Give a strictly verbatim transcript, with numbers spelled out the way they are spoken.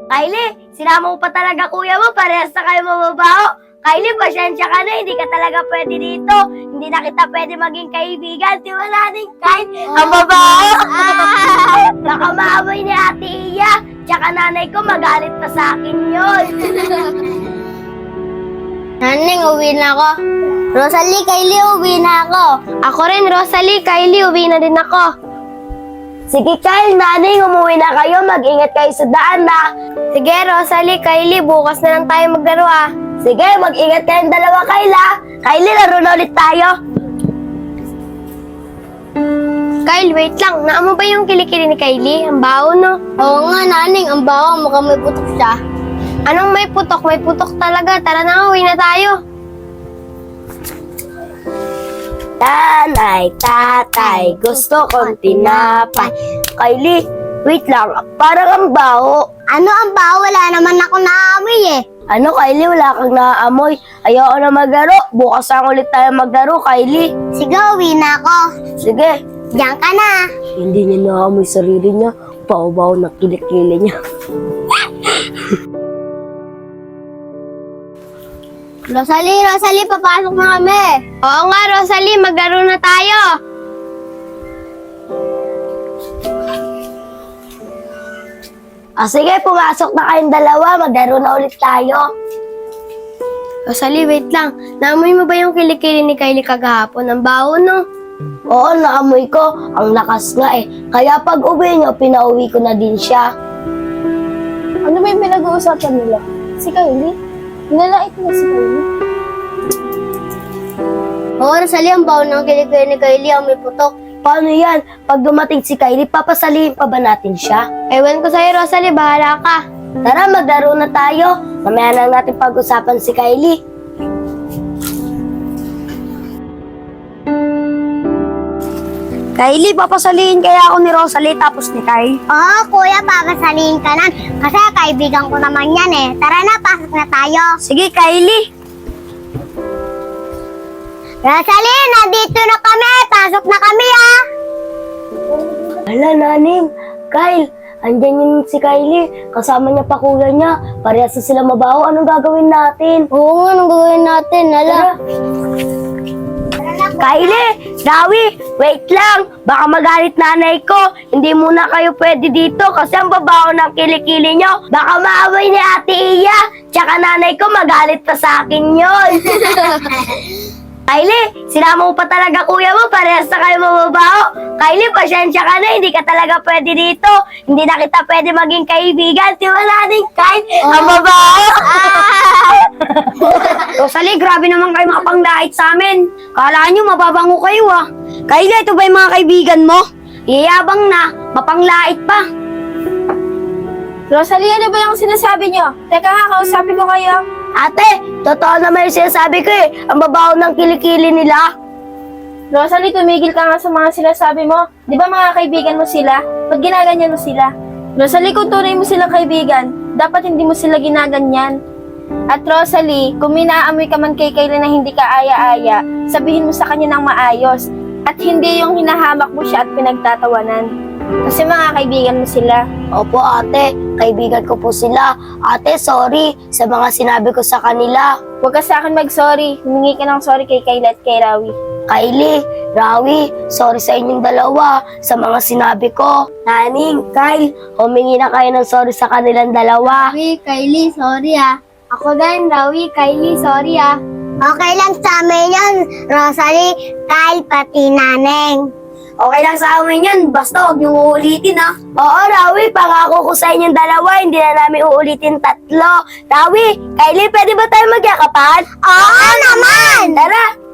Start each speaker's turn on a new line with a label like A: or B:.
A: Kylie, sinama mo pa talaga kuya mo, parehas na kayo mababaho. Kylie, pasensya ka na, hindi ka talaga pwede dito. Hindi na kita pwede maging kaibigan. Tiwala din, Kylie. Ang babaho! Baka maamoy ni Ate Iya. Tsaka nanay ko, magalit pa sa akin yun.
B: Naning, uwi na ako. Rosalie, Kylie, uwi na ako.
A: Ako rin, Rosalie. Kylie, uwi na din ako. Sige, Kyle, nanay, umuwi na kayo. Mag-ingat kayo sa daan, na. Sige, Rosalie, Kylie, bukas na lang tayo maglaro, ah. Sige, mag-ingat kayong dalawa, Kyle, ah. Kylie, laro na ulit tayo. Kyle, wait lang. Naamo ba yung kilikili ni Kylie? Ang baho, no?
B: Oo nga, Naning, ang baho, mukhang may putok siya.
A: Anong may putok? May putok talaga. Tara na, uwi na tayo. Tanay, tatay, gusto kong tinapay. Kylie, wait lang. Parang ang baho.
B: Ano ang baho? Wala naman ako naamoy eh.
A: Ano, Kylie? Wala kang naaamoy. Ayoko na maglaro. Bukas lang ulit tayo maglaro, Kylie.
B: Sige, uwi na ako.
A: Sige.
B: Diyan ka na.
A: Hindi niya naamoy sarili niya. Baho-baho na kilikili niya.
B: Rosalie, Rosalie, papasok na kami.
A: Oo nga, Rosalie. Maglaro na tayo. Ah, sige, pumasok na kayong dalawa. Maglaro na ulit tayo. Rosalie, wait lang. Naamoy mo ba yung kilikili ni Kylie kagahapon? Ang baho, no? Oo, naamoy ko. Ang lakas nga eh. Kaya pag uwi niyo, pinauwi ko na din siya.
C: Ano ba yung pinag-uusapan nila? Si Kylie? Nilalait mo si Kylie?
B: Oo, Rosalie, ang baho ng kilikili ni Kylie, ang may putok.
A: Paano yan? Pag dumating si Kylie, papasalihin pa ba natin siya? Ewan ko sa'yo, Rosalie. Bahala ka. Tara, maglaro na tayo. Mamaya na natin pag-usapan si Kylie. Kylie, papasalihin kaya ako ni Rosalie tapos ni Kylie.
B: Oo, kuya, papasalihin ka na. Kasi kaibigan ko naman yan eh. Tara na, pasok na tayo.
A: Sige, Kylie.
B: Rosalie, nandito na kami. Pasok na kami ah.
A: Hala, naning. Kyle, andyan yung si Kylie. Kasama niya pa kuya niya. Parehas na sila mabaho. Anong gagawin natin?
B: Oo nga, anong gagawin natin? Hala.
A: Kylie, Dawi, wait lang. Baka magalit nanay ko. Hindi muna kayo pwede dito kasi ang babaho ng kilikili nyo. Baka maaway ni Ate Iya. Tsaka nanay ko magalit pa sa akin yun. Kylie, sinama mo pa talaga kuya mo. Parehas na kayo mababaho. Kylie, pasensya ka na. Hindi ka talaga pwede dito. Hindi na kita pwede maging kaibigan. Tiwala din, Kylie. Ang babaho. Rosalie, grabe naman kayo makapanglait sa amin. Kala nyo, mababango kayo ah. Kylie, ito ba yung mga kaibigan mo? Iyabang na, mapanglait pa.
C: Rosalie, ano ba yung sinasabi niyo? Teka nga, kausapin ko kayo.
A: Ate, totoo naman yung sinasabi ko eh. Ang babaho ng kilikili nila.
C: Rosalie, tumigil ka nga sa mga sinasabi mo. Di ba mga kaibigan mo sila? Ba't ginaganyan mo sila? Rosalie, kung tunay mo silang kaibigan, dapat hindi mo sila ginaganyan. At Rosalie, kung minaamoy ka man kay Kylie na hindi ka aya-aya, sabihin mo sa kanya ng maayos. At hindi yung hinahamak mo siya at pinagtatawanan. Kasi mga kaibigan mo sila.
A: Opo ate, kaibigan ko po sila. Ate, sorry sa mga sinabi ko sa kanila.
C: Huwag ka sa akin mag-sorry. Humingi ka ng sorry kay Kylie at kay Rawi.
A: Kylie, Rawi, sorry sa inyong dalawa sa mga sinabi ko. Naning, Kyle, humingi na kayo ng sorry sa kanilang dalawa.
B: Rawi, Kylie, sorry ah.
A: Ako din, Rawi, Kylie, sorry ah.
B: Okay lang sa amin yun, Rosalie, Kyle, pati Naneng.
A: Okay lang sa amin yun, basta huwag niyong uulitin ah. Oo, Rawi, pangako ko sa inyong dalawa, hindi na namin uulitin tatlo. Rawi, Kylie, pwede ba tayo magyakapan?
B: Oo naman!
A: Tara!